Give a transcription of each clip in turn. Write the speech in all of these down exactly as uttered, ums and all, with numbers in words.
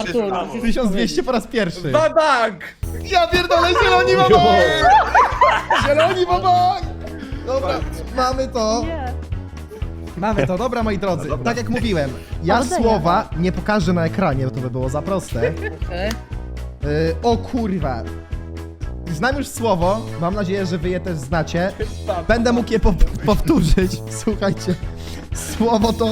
powtórzyć. tysiąc dwieście po raz pierwszy. Babak! Ja pierdolę, zieloni babak! Zieloni babak! Dobra, mamy to. Nie. Mamy to, dobra moi drodzy. Tak jak mówiłem, ja Powodzenia. słowa nie pokażę na ekranie, bo to by było za proste. Okej. Yy, o kurwa. Znam już słowo, mam nadzieję, że wy je też znacie. Będę mógł je po powtórzyć. Słuchajcie, słowo to...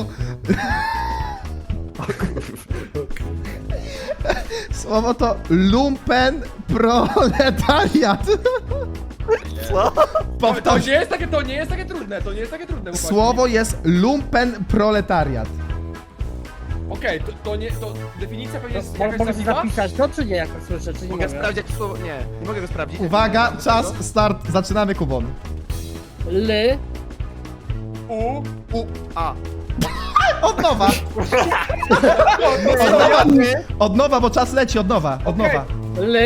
Słowo to lumpen proletariat. Co? To Powtórz. nie jest takie, to nie jest takie trudne, to nie jest takie trudne. chłopaki. Słowo jest lumpen proletariat. Okej, to, to nie, to definicja pewnie jest Mo- jakaś Mogę zawiła? zapisać to, czy nie, jak to słyszę, czy nie Mogę mogę? sprawdzić słowo. Nie, nie mogę go sprawdzić. Uwaga, czas, start, zaczynamy Kubon. L, U, U, A. Od nowa. Od nowa, od nowa, bo czas leci, od nowa, od nowa. L,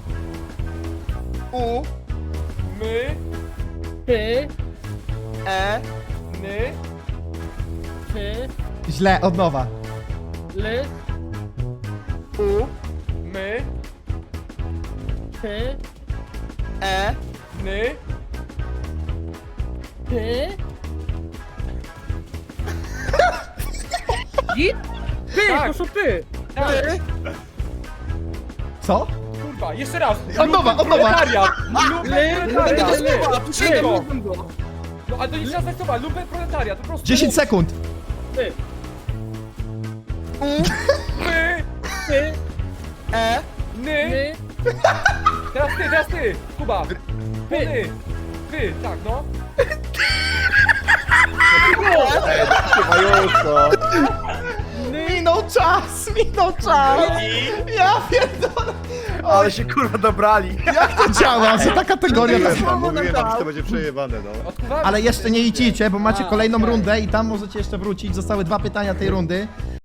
U, my, P, E. ny, P, Źle, od nowa. L, U. my, P, E. ny, P. Git? Py, Tak. to są py. tak, Co? kurwa, jeszcze raz. Od nowa, od nowa. Proletariat. L, Lumpen L, proletariat. L, Tu Szybko. sięgam go. No, ale to nie trzeba znać słowa, lumpen proletariat, po prostu. dziesięć sekund. Py, My, P, E. ny, N, teraz ty, teraz ty, Kuba. Ty, ty, tak, no. Minął czas, minął czas. Ja pierdolę. Ale się kurwa dobrali. Jak to działa, że ta kategoria... Mówiłem To... wam, mówiłem wam, że to będzie przejebane, no. Odkuwamy Ale jeszcze nie idźcie, bo macie A, kolejną okej. rundę i tam możecie jeszcze wrócić. Zostały dwa pytania tej rundy.